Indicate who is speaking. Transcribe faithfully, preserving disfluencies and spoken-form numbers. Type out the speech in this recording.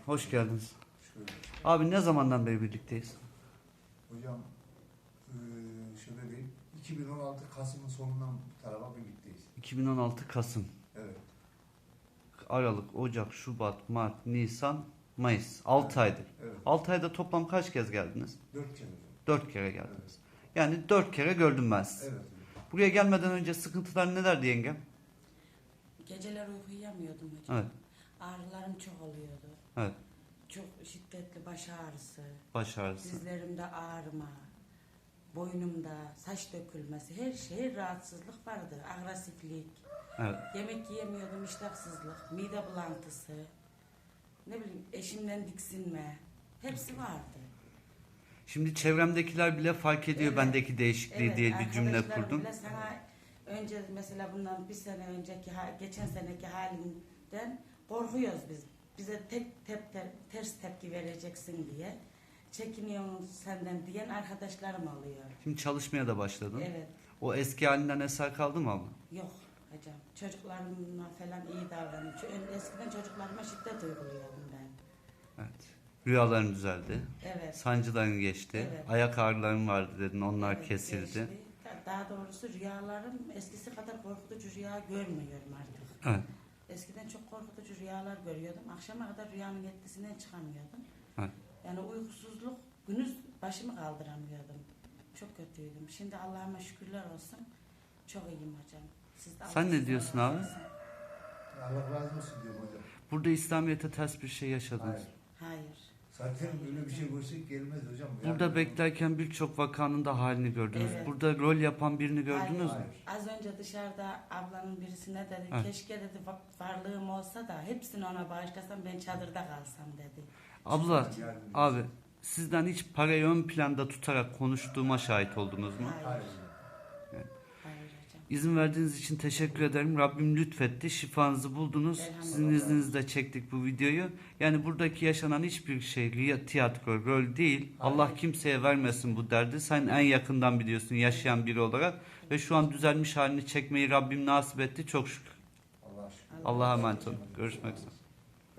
Speaker 1: Hoş geldiniz.
Speaker 2: Şöyle.
Speaker 1: Abi ne zamandan beri birlikteyiz?
Speaker 2: Hocam eee, şöyle diyeyim. iki bin on altı Kasım'ın sonundan bu tarafa birlikteyiz.
Speaker 1: iki bin on altı Kasım,
Speaker 2: Evet.
Speaker 1: Aralık, Ocak, Şubat, Mart, Nisan, Mayıs. altı aydır.
Speaker 2: Evet.
Speaker 1: altı ayda toplam kaç kez geldiniz?
Speaker 2: Dört kere hocam.
Speaker 1: dört kere geldiniz.
Speaker 2: Evet.
Speaker 1: Yani dört kere gördüm ben sizi.
Speaker 2: Evet hocam.
Speaker 1: Buraya gelmeden önce sıkıntılar nelerdi yengem?
Speaker 3: Geceler uyku uyuyamıyordum hocam.
Speaker 1: Evet.
Speaker 3: Ağrılarım çok oluyordu.
Speaker 1: Evet.
Speaker 3: Çok şiddetli baş ağrısı,
Speaker 1: Baş ağrısı.
Speaker 3: dizlerimde ağrıma, boynumda saç dökülmesi, her şey rahatsızlık vardı. Agresiflik,
Speaker 1: Evet.
Speaker 3: yemek yiyemiyordum, iştahsızlık, mide bulantısı, ne bileyim eşimden diksinme, hepsi vardı.
Speaker 1: Şimdi çevremdekiler bile fark ediyor
Speaker 3: Evet.
Speaker 1: bendeki değişikliği
Speaker 3: Evet,
Speaker 1: diye bir cümle
Speaker 3: arkadaşlarım
Speaker 1: kurdum.
Speaker 3: bile sana önce mesela bundan bir sene önceki, ha- geçen seneki halinden korkuyoruz biz. Bize tek tep, te- ters tepki vereceksin diye. Çekiniyorum senden diyen arkadaşlarım oluyor.
Speaker 1: Şimdi çalışmaya da başladın.
Speaker 3: Evet.
Speaker 1: O eski halinden eser kaldı mı abla?
Speaker 3: Yok hocam. Çocuklarıma falan iyi davranıyorum. Çünkü eskiden çocuklarıma şiddet uyguluyordum ben.
Speaker 1: Evet. Rüyaların düzeldi.
Speaker 3: Evet.
Speaker 1: Sancıların geçti.
Speaker 3: Evet.
Speaker 1: Ayak ağrıların vardı dedin. Onlar
Speaker 3: Evet,
Speaker 1: kesildi.
Speaker 3: geçti. Daha doğrusu rüyalarım eskisi kadar korkutucu rüya görmüyorum artık.
Speaker 1: Evet.
Speaker 3: Eskiden çok korkutucu rüyalar görüyordum. Akşama kadar rüyanın etkisinden çıkamıyordum.
Speaker 1: Evet.
Speaker 3: Yani uykusuzluk, gündüz başımı kaldıramıyordum. Çok kötüydüm. Şimdi Allah'ıma şükürler olsun. Çok iyiyim hocam. Siz de
Speaker 1: Sen
Speaker 3: Allah
Speaker 1: ne
Speaker 3: sizden
Speaker 1: diyorsun
Speaker 3: razı
Speaker 1: abi?
Speaker 3: olsun.
Speaker 2: Allah razı olsun diyorum hocam.
Speaker 1: Burada İslamiyet'e ters bir şey yaşadınız.
Speaker 2: Hayır.
Speaker 3: Hayır.
Speaker 2: Zaten böyle bir şey görsek gelmez hocam.
Speaker 1: Burada
Speaker 2: Yani-
Speaker 1: beklerken birçok vakanın da halini gördünüz.
Speaker 3: Evet.
Speaker 1: Burada rol yapan birini gördünüz
Speaker 3: Hayır.
Speaker 1: mü?
Speaker 2: Hayır.
Speaker 3: Az önce dışarıda ablanın birisine dedi,
Speaker 1: Evet.
Speaker 3: keşke dedi va- varlığım olsa da hepsini ona bağışlasam, ben çadırda kalsam dedi.
Speaker 1: Abla,
Speaker 2: Yani-
Speaker 1: abi sizden hiç parayı ön planda tutarak konuştuğuma şahit oldunuz mu?
Speaker 3: Hayır.
Speaker 2: Hayır hocam.
Speaker 3: Hayır hocam.
Speaker 1: İzin verdiğiniz için teşekkür ederim. Rabbim lütfetti. Şifanızı buldunuz.
Speaker 3: Elhamdülillah.
Speaker 1: Sizin izninizle çektik bu videoyu. Yani buradaki yaşanan hiçbir şey riya- tiyatro, rol değil. Allah kimseye vermesin bu derdi. Sen en yakından biliyorsun yaşayan biri olarak. Ve şu an düzelmiş halini çekmeyi Rabbim nasip etti. Çok şükür.
Speaker 2: Allah şükür.
Speaker 1: Allah'a emanet olun. Görüşmek üzere.